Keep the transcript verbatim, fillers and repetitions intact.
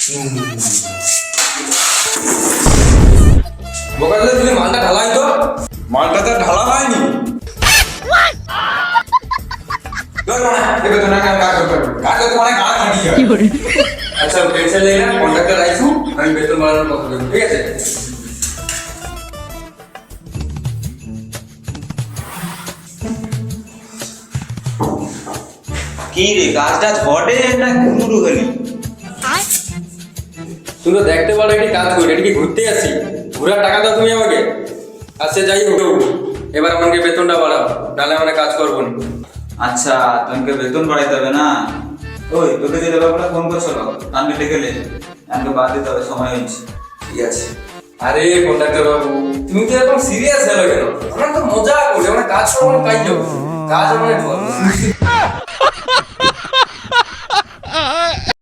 বোকালে তুমি মালটা ঢালাই তো। মালটা তো ঢালা হয়নি। আচ্ছা টেনশন নেই না, কন্ট্রাক্টর আইসু আমি বেতন বাড়ানোর কথা বলবো, ঠিক আছে? কি রে কাজটা ঘটে না ঘুরু হলি? তুমি তো দেখতে পারো এটি কাজ করি, এটি কি ঘুরতে আসি? ঘুরার টাকা দাও তুমি আমাকে। আচ্ছা যাই হোক, এবার আমাকে বেতনটা বাড়াও, নাহলে আমরা কাজ করবো না। আচ্ছা তোমাকে বেতন বাড়াইতে হবে না? ওই তোকে যে ব্যাপারটা ফোন করছিল আমি ডেকে লে, আমাকে বাদ দিতে হবে, সময় হয়েছে। ঠিক আছে। আরে কন্ট্রাক্টর বাবু, তুমি তো এরকম সিরিয়াস হলো কেন? আমরা তো মজা করি, আমরা কাজ করবো, কাজ কাজ আমরা